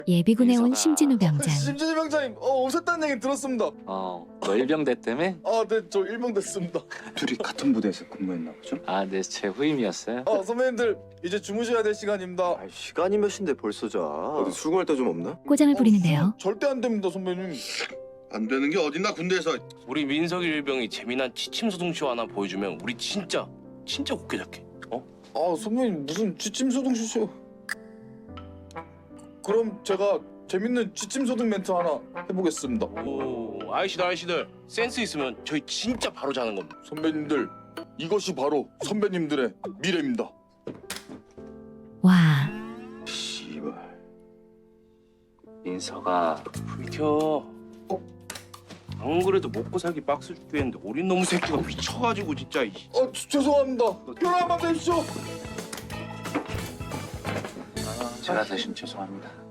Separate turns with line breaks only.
예비군에 온
민서가-
심진우 병장.
심진희 병장님, 오셨다는 얘기 들었습니다.
너 일병대 때문에?
네, 저 일병 됐습니다.
둘이 같은 부대에서 근무했나 보죠?
네, 제 후임이었어요.
선배님들 이제 주무셔야 될 시간입니다.
시간이 몇 시인데 벌써 자. 어디 수긍할 데 좀 없나?
꼬장을 부리는데요.
절대 안 됩니다, 선배님.
안 되는 게 어딨나 군대에서.
우리 민석이 일병이 재미난 지침소동쇼 하나 보여주면 우리 진짜 곱게 잡게.
선배님 무슨 지침소등쇼? 그럼 제가 재밌는 지침소등 멘트 하나 해보겠습니다.
오, 아이씨들 센스 있으면 저희 진짜 바로 자는 겁니다.
선배님들, 이것이 바로 선배님들의 미래입니다.
와,
씨발.
민서가
불켜. 안 그래도 먹고 살기 박스 죽겠는데 어린 놈 새끼가 미쳐가지고 진짜.
죄송합니다. 편한 밤 되십시오.
제가 대신 죄송합니다.